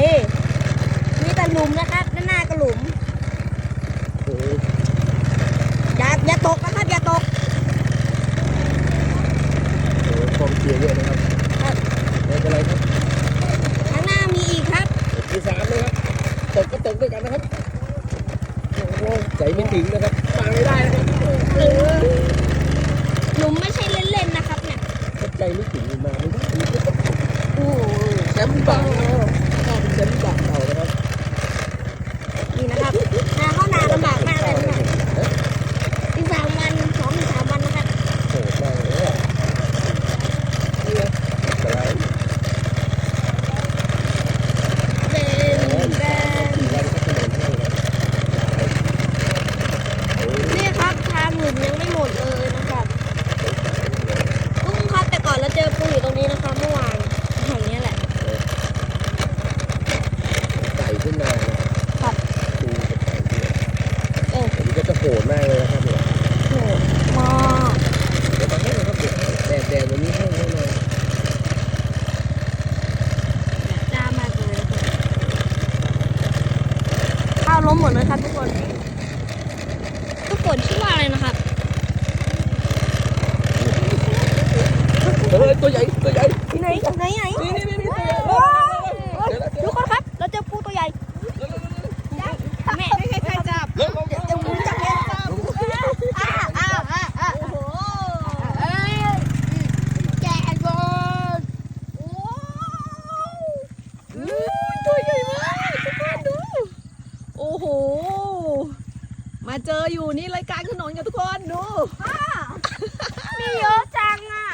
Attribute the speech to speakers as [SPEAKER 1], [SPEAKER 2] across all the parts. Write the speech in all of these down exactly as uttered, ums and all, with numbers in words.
[SPEAKER 1] มีแต่หลุมนะครับด้านหน้าก็หลุมอย่าอย่าตกนะครับอย่าตก
[SPEAKER 2] โอ้กองเชียร์เยอะนะครับไม่เป็นไรครับ
[SPEAKER 1] ข้างหน้ามีอีกครับ
[SPEAKER 2] มีสามเลยครับตกก็ตกด้วยกันนะครับโอ้ใจไม่ถึงนะครับมาไม่ได้นะครับ
[SPEAKER 1] หลุมไม่ใช่เล่นๆนะครับเนี่ย
[SPEAKER 2] ใจไม่ถึงมาไม่ได้
[SPEAKER 1] โอ้
[SPEAKER 2] แชมป์บังก็เป็นแชมป์บังเรานะครับ
[SPEAKER 1] นี่นะครับนาเข้านาลำบากมากเลยนะครับอีกสามวันสองถึงสามวันนะครับ
[SPEAKER 2] โอ้ได้เลยอ่ะนี่นะอะไร
[SPEAKER 1] เป็นเป็นนี่ครับทางหลุมยังไม่หมดเลยนะครับกุ้งครับแต่ก่อนเราเจอปูอยู่ตรงนี้นะคะเมื่อวานแห่งนี้แหละ
[SPEAKER 2] ไก่ขึ้นมา
[SPEAKER 1] ครับ
[SPEAKER 2] ปูกับไก่ด้วย
[SPEAKER 1] เออ
[SPEAKER 2] ผมก็จะโหดมากเลยนะครับเนี่ย
[SPEAKER 1] โหดมาก
[SPEAKER 2] เดี๋ยวมาให้นะครับเดี๋ยวแดดแดดวันนี้ให้แน่นอน
[SPEAKER 1] จ้ามากเลยข้าวล้มหมดเลยครับทุกคนทุกคนชื่อว่าอะไรนะครับ
[SPEAKER 2] เฮ้ยตัวใหญ่ตัวใหญ่
[SPEAKER 1] ไหนไหนไหน
[SPEAKER 2] นี่นี่นี่ตัวใหญ่
[SPEAKER 1] ทุกคนครับเราเจอปูตัวใหญ่แม่ไม่ใครจับจะหมุนจับแม่จับอ้าอ้าอ้าอ้าโอ้โหเอ้ยแกะบอลโอ้
[SPEAKER 3] ตัวใหญ่มากทุกคนดูโอ้โหมาเจออยู่นี่รายการขนมกับทุกคนดู
[SPEAKER 1] มีเยอะจังอ่ะ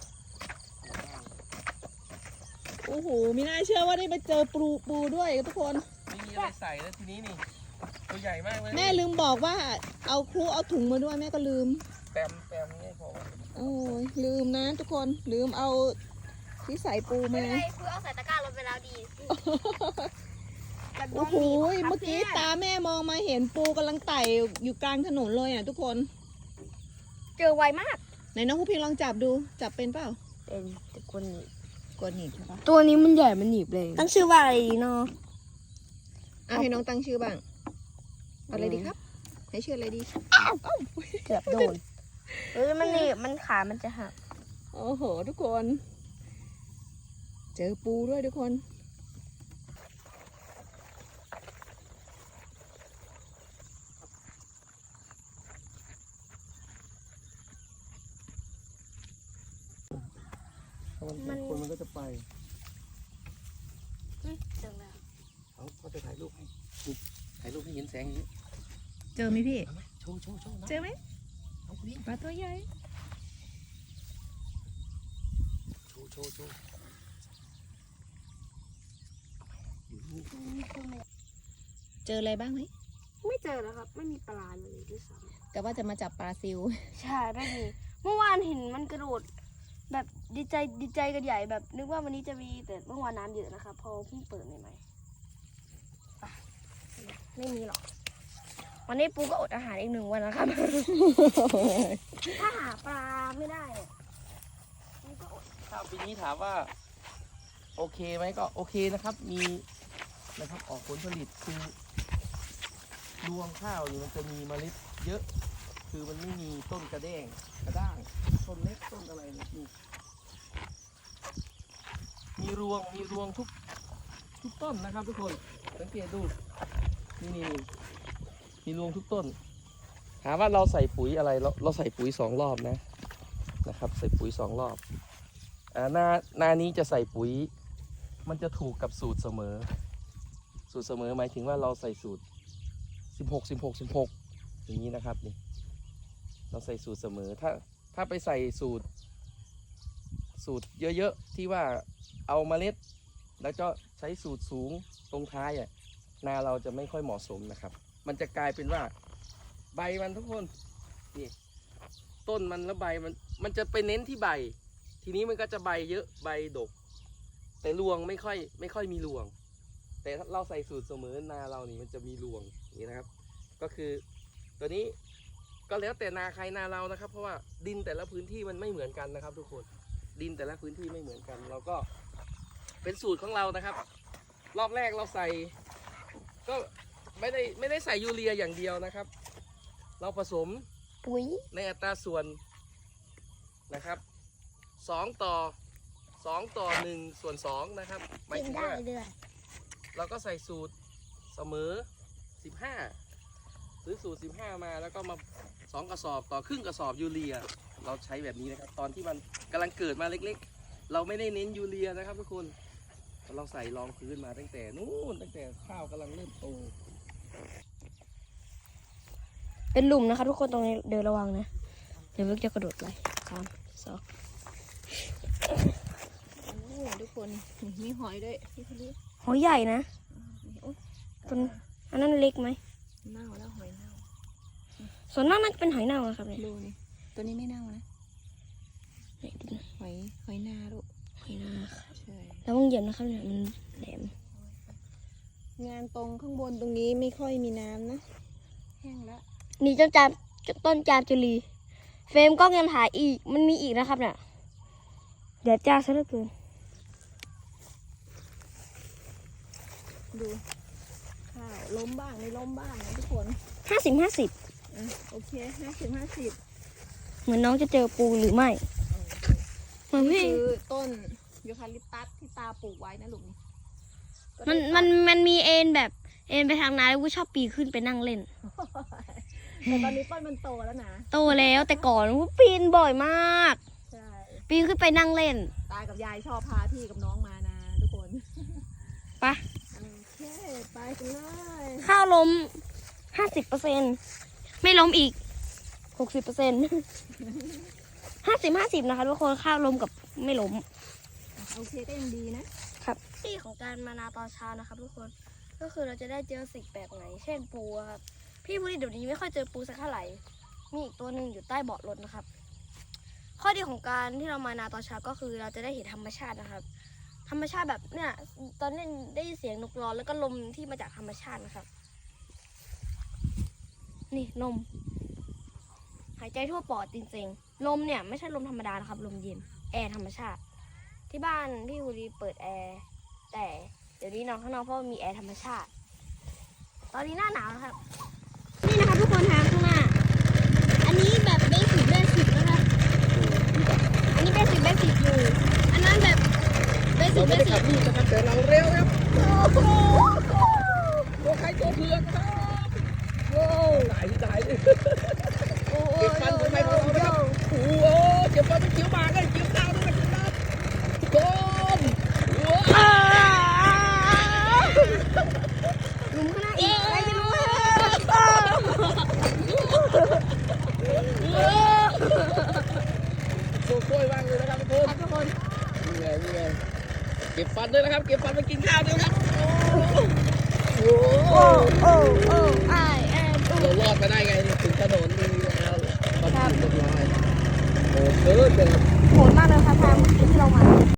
[SPEAKER 3] โอ้โหไม่น่าเชื่อว่าได้มาเจอปูปูด้วยทุกคน
[SPEAKER 2] มีอะไรใส่แล้วทีนี้นี่ตัวใหญ่มากเลย
[SPEAKER 3] แม่ลืมบอกว่าเอาครูเอาถุงมาด้วยแม่ก็ลืม
[SPEAKER 2] แปมแปมนี่พอ
[SPEAKER 3] โอ้ยลืมนะทุกคนลืมเอาที่ใส่ปูมา
[SPEAKER 1] ครูเอาใส่ตะกร้าลงไปแล้วดี
[SPEAKER 3] โอ้โหเมื่อกี้ตาแม่มองมาเห็นปูกำลังไต่อยู่กลางถนนเลยอ่ะทุกคน
[SPEAKER 1] เจอไวมาก
[SPEAKER 3] ไหนน้องผู้พิงลองจับดูจับเป็นเปล่า
[SPEAKER 1] เป็นแต่คนหนีบ
[SPEAKER 3] กดหนีบใช่ปะ
[SPEAKER 1] ตัวนี้มันใหญ่มันหนีบเลยตั้งชื่อว่าอะไรดีเนาะ
[SPEAKER 3] อ่ะให้น้องตั้งชื่อบ้างอะไรดีครับให้ชื่ออะไรดี
[SPEAKER 1] เกือบโดนเฮ้ยมันหนีบมันขามันจะหัก
[SPEAKER 3] โอ้โหทุกคนเจอปูด้วยทุกคน
[SPEAKER 2] มันคนมันก็จะไป
[SPEAKER 1] เจอแล้ว
[SPEAKER 2] เขาเขาจะถ่ายรูปให้ถ่ายรูปให้เห็นแสงอย่างนี้
[SPEAKER 3] เจอไหมพี่
[SPEAKER 2] โชว์โชว์โชว์
[SPEAKER 3] เจอไหมปลาตัวใหญ่
[SPEAKER 2] โชว์โชว์โชว์
[SPEAKER 3] เจออะไรบ้างไหม
[SPEAKER 1] ไม่เจอแล้วครับไม่มีปลาเลยด้วยซ้
[SPEAKER 3] ำแต่ว่าจะมาจับปลาซิว
[SPEAKER 1] ใช่ไม่มีเมื่อวานเห็นมันกระโดดแบบดีใจดีใจกันใหญ่แบบนึกว่าวันนี้จะมีแต่เมื่อวานน้ำเยอะนะคะพอเพิ่งเปิดใหม่ๆไม่มีหรอกวันนี้ปูก็อดอาหารอีกหนึ่งวันนะครับถ้าหาปลาไม่ได้ปูก็อด
[SPEAKER 2] ถ้าปีนี้ถามว่าโอเคไหมก็โอเคนะครับมีนะครับออกผลผลิตคือรวงข้าวอยู่มันจะมีเมล็ดเยอะคือมันไม่มีต้นกระแด้งกระด้างต้นเล็กต้นอะไรนี่มีรวงมีรวงทุกทุกต้นนะครับทุกคนสังเกตดูนี่นี่มีรวงทุกต้นถามว่าเราใส่ปุ๋ยอะไรเราเราใส่ปุ๋ยสองรอบนะนะครับใส่ปุ๋ยสองรอบอ่าหน้าหน้านี้จะใส่ปุ๋ยมันจะถูกกับสูตรเสมอสูตรเสมอหมายถึงว่าเราใส่สูตรสิบหก สิบหก สิบหกอย่างนี้นะครับนี่เราใส่สูตรเสมอถ้าถ้าไปใส่สูตรสูตรเยอะๆที่ว่าเอาเมล็ดแล้วก็ใช้สูตรสูงตรงท้ายอ่ะนาเราจะไม่ค่อยเหมาะสมนะครับมันจะกลายเป็นว่าใบมันทุกคนนี่ต้นมันแล้วใบมันมันจะไปเน้นที่ใบทีนี้มันก็จะใบเยอะใบดกแต่รวงไม่ค่อยไม่ค่อยมีรวงแต่ถ้าเราใส่สูตรเสมอนาเรานี่มันจะมีรวงนี่นะครับก็คือตัวนี้ก็แล้วแต่นาใครนาเรานะครับเพราะว่าดินแต่ละพื้นที่มันไม่เหมือนกันนะครับทุกคนดินแต่ละพื้นที่ไม่เหมือนกันเราก็เป็นสูตรของเรานะครับรอบแรกเราใส่ ก็ไม่ได้ไม่ได้ใส่ยูเรียอย่างเดียวนะครับ เราผสม
[SPEAKER 1] ปุ๋ย
[SPEAKER 2] ในอัตราส่วนนะครับสองต่อสองต่อหนึ่งส่วนสองนะครับหมาย
[SPEAKER 1] กิน
[SPEAKER 2] ถึง
[SPEAKER 1] ได้
[SPEAKER 2] ว่า
[SPEAKER 1] เลย
[SPEAKER 2] เราก็ใส่สูตรเสมอสิบห้าหรือสูตรสิบห้ามาแล้วก็มาสองกระสอบต่อครึ่งกระสอบยูเรียเราใช้แบบนี้นะครับตอนที่มันกำลังเกิดมาเล็กๆ เราไม่ได้เน้นยูเรียนะครับทุกคนเราใส่รองพื้นมาตั้งแต่นู้นตั้งแต่ข้าวกำลังเริ่มโต
[SPEAKER 1] เป็นหลุมนะคะทุกคนตรงนี้เดินระวังนะเดี๋ยวลูกจะกระโดดไหลสามสอง
[SPEAKER 3] โอ้ทุกคนมีหอยด้วยพี่พลี
[SPEAKER 1] หอยใหญ่นะ
[SPEAKER 3] โอ้ย
[SPEAKER 1] ต้นอันนั้นเล็กไหม
[SPEAKER 3] เน่าแล้วหอยเน่า
[SPEAKER 1] ส่วนมากน่าจะเป็นหอยเน่านะครับเนี่ย
[SPEAKER 3] ดูนี่ตัวนี้ไม่เน่านะ
[SPEAKER 1] ไหนดูนะ
[SPEAKER 3] หอยหอยนาลูก
[SPEAKER 1] หอยเน่าค่ะ
[SPEAKER 3] ใช่
[SPEAKER 1] แล้วมึงเหยียบนะครับเนี่ยมันแหลม
[SPEAKER 3] งานตรงข้างบนตรงนี้ไม่ค่อยมีน้ำนะแห้งแล้ว
[SPEAKER 1] นี่เจ้าจามต้นจามจุลีเฟรมกล้องยังถ่ายอีกมันมีอีกนะครับเนี่ยเดี๋ยวจ้าซะเหลือเกิน
[SPEAKER 3] ดูข้าวล้มบ้างไม่ล้มบ้างนะทุกคน
[SPEAKER 1] ห้าสิบห้าสิบ
[SPEAKER 3] อ่ะโอเคห้าสิบห้าสิบ
[SPEAKER 1] เหมือนน้องจะเจอปูหรือไม่เหมือน
[SPEAKER 3] นี่
[SPEAKER 1] พี่
[SPEAKER 3] คือต้นยูคาลิปตัสที่ตาปลูกไว้นะลูก
[SPEAKER 1] มันมันมันมีเอ็นแบบเอ็นไปทางนั้นแล้วกูชอบปีนขึ้นไปนั่งเล่น
[SPEAKER 3] แต่ตอนนี้ต้นมันโตแล้วนะ
[SPEAKER 1] โตแล้วแต่ก่อนกูปีนบ่อยมาก
[SPEAKER 3] ใช่
[SPEAKER 1] ปีนขึ้นไปนั่งเล่น
[SPEAKER 3] ตากับยายชอบพาพี่กับน้องมานะทุกคน
[SPEAKER 1] ไปะ
[SPEAKER 3] โอเคไปกันเลย
[SPEAKER 1] ข้าวล้มห้าสิบเปอร์เซ็นไม่ล้มอีกหกสิบเปอร์เซ็นห้าสิบห้าสิบนะคะทุกคนข้าวล้มกับไม่ล้ม
[SPEAKER 3] โอเคก็ยังดีนะครับ
[SPEAKER 1] ที่ของการมานาตอนเช้านะครับทุกคนก็คือเราจะได้เจอสิ่งแปลกใหม่เช่นปูอะครับพี่พูดเดี๋ยวนี้ไม่ค่อยเจอปูสักเท่าไหร่มีอีกตัวหนึ่งอยู่ใต้เบาะรถนะครับ ข้อดีของการที่เรามานาตอนเช้าก็คือเราจะได้เห็นธรรมชาตินะครับ ธรรมชาติแบบเนี่ยตอนนี้ได้ยินเสียงนกร้องแล้วก็ลมที่มาจากธรรมชาตินะครับ นี่ลมหายใจทั่วปอดจริงๆลมเนี่ยไม่ใช่ลมธรรมดานะครับลมเย็นแอร์ธรรมชาติ ที่บ้านพี่ฮูรีเปิดแอร์แต่เดี๋ยวนี้นอนข้างนอกเพราะมีแอร์ธรรมชาติ ตอนนี้หน้าหนาวนะครับ นี่นะคะทุกคนทางข้างหน้า อันนี้แบบเบสิกเบสิกนะคะอันนี้เบสิกเบสิกอยู่ อันนั้นแบบเบสิ
[SPEAKER 2] เรา
[SPEAKER 1] กเบ
[SPEAKER 2] ไม่ได้
[SPEAKER 1] สิ
[SPEAKER 2] ขั
[SPEAKER 1] ก
[SPEAKER 2] บนี่นะครับแต่เราเร็วครับ
[SPEAKER 1] โอ้โห
[SPEAKER 2] ตัวใครตัวเผือกครับ
[SPEAKER 1] โอ้
[SPEAKER 2] ถ่ายที่ถ่ายดิ
[SPEAKER 1] โห
[SPEAKER 2] เก็บฟันของใครของเรานะครับโอ้โหเก็บฟันเป็นคิ้วหมากเลยคิ้วดาวด้วยนะครับโดนว้าว
[SPEAKER 1] หลุมข้างหน้าอีกใครจะรู้
[SPEAKER 2] โชว์กล้วยมากเลยนะครับทุกคน
[SPEAKER 1] ทุกคน
[SPEAKER 2] นี่ไงนี่ไงเก็บฟันด้วยนะครับ เก็บฟันไปกินข้าวด้วยครับโอ้
[SPEAKER 1] โอ้โอ้โอ้ไอแอม
[SPEAKER 2] เรารอดมาได้ไงถึงถนนดีแล้วมาถึงเรียบร้อยโอ้เกิดเลยครับ